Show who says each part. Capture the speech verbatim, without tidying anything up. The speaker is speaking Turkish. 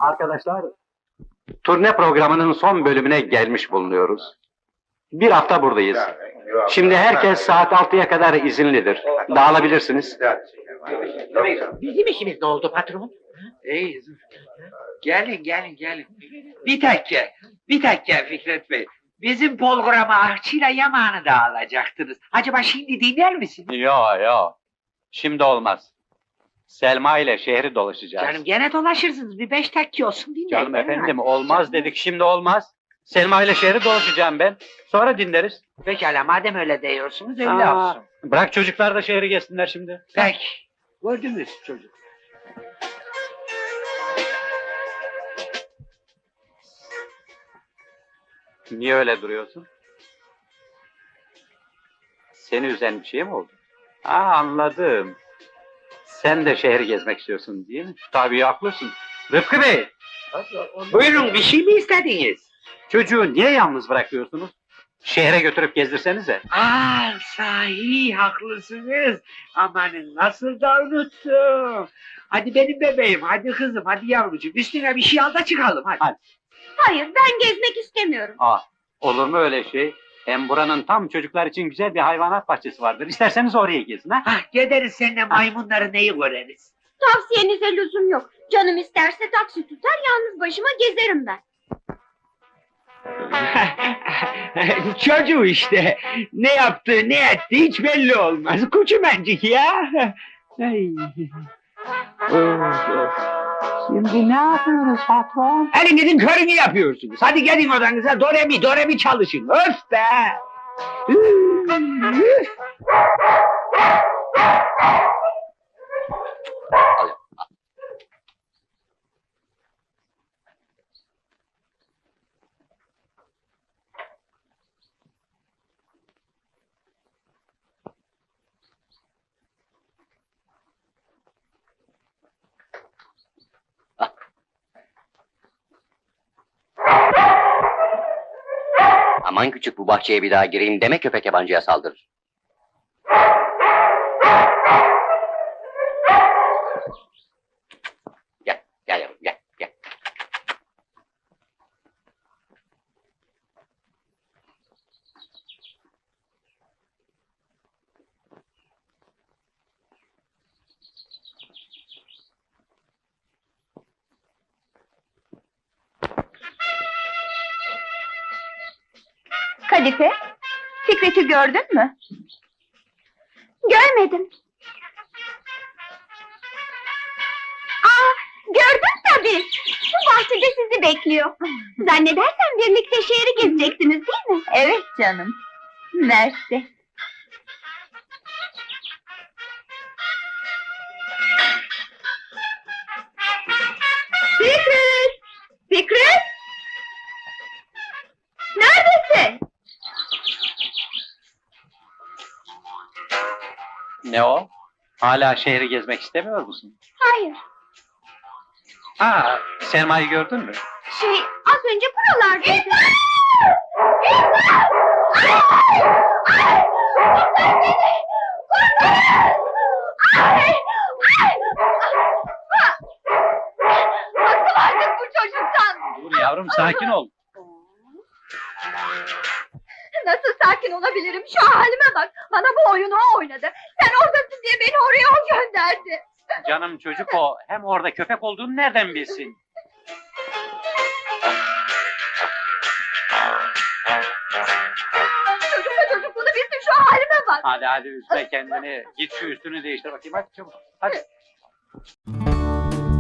Speaker 1: Arkadaşlar, turne programının son bölümüne gelmiş bulunuyoruz. Bir hafta buradayız. Şimdi herkes saat altıya kadar izinlidir. Dağılabilirsiniz.
Speaker 2: Bizim işimiz ne oldu patron?
Speaker 3: İyi. Gelin gelin gelin. Bir dakika. Bir dakika Fikret Bey. Bizim programa Ahçı'yla Yaman'ı da alacaktınız. Acaba şimdi dinler misiniz?
Speaker 1: Yo yo. Şimdi olmaz. Selma ile şehri dolaşacağız.
Speaker 3: Canım gene dolaşırsınız. Bir beş dakika olsun dinleyin.
Speaker 1: Canım efendim olmaz dedik, şimdi olmaz. Selma ile şehri dolaşacağım ben. Sonra dinleriz.
Speaker 3: Pekala madem öyle diyorsunuz öyle
Speaker 1: Aa,
Speaker 3: olsun.
Speaker 1: Bırak çocuklar da şehri gezsinler şimdi.
Speaker 3: Peki. Gördünüz çocuk.
Speaker 1: Niye öyle duruyorsun? Seni üzen bir şey mi oldu? Aa, anladım. Sen de şehri gezmek istiyorsun değil mi? Tabii haklısın. Rıfkı Bey,
Speaker 3: Buyurun bir şey mi istediniz?
Speaker 1: çocuğu niye yalnız bırakıyorsunuz? Şehre götürüp gezdirsenize.
Speaker 3: Aa sahi haklısınız. Amanın nasıl da unuttum. Hadi benim bebeğim, hadi kızım, hadi yavrucuğum. Üstüne bir şey al da çıkalım hadi.
Speaker 1: Hadi.
Speaker 4: Hayır, ben gezmek istemiyorum.
Speaker 1: Aa, olur mu öyle şey? Hem buranın tam çocuklar için güzel bir hayvanat bahçesi vardır. İsterseniz oraya gezin ha?
Speaker 3: Hah gideriz seninle maymunları neyi göreriz?
Speaker 4: Tavsiyenize lüzum yok. Canım isterse taksi tutar, yalnız başıma gezerim ben.
Speaker 3: Çocuğu işte. Ne yaptı, ne etti hiç belli olmaz. Kuçumencik ya. Ay. Of, of.
Speaker 1: Şimdi ne yapıyoruz patron?
Speaker 3: Hadi gidin körünü yapıyorsunuz. Hadi gelin odanıza doremi doremi çalışın. Öf be! Üf!
Speaker 5: Aman küçük, bu bahçeye bir daha gireyim deme, köpek yabancıya saldırır. Gel, gel yavrum, gel, gel.
Speaker 4: Kadife, Fikret'i gördün mü? Görmedim. Aa, gördüm tabii. Bu bahçede sizi bekliyor. Zannedersem birlikte şehri gezeceksiniz değil mi? Evet canım. Mersi. Fikret! Fikret! Neredesin?
Speaker 1: Ne o? Hala şehri gezmek istemiyor musun?
Speaker 4: Hayır.
Speaker 1: Aa, Selma'yı gördün mü?
Speaker 4: Şey, az önce buralardaydı. Bıktım artık bu çocuktan.
Speaker 1: Dur yavrum, sakin ol.
Speaker 4: Nasıl sakin olabilirim? Şu halime bak. Bana bu oyunu o oynadı. Sen oradasın diye beni oraya o gönderdi.
Speaker 1: Canım çocuk o. Hem orada köpek olduğunu nereden bilsin?
Speaker 4: Çocukla çocuk bunu bilsin, şu halime bak.
Speaker 1: Hadi hadi, üzme kendini. Git şu üstünü değiştir bakayım, hadi çabuk. Hadi.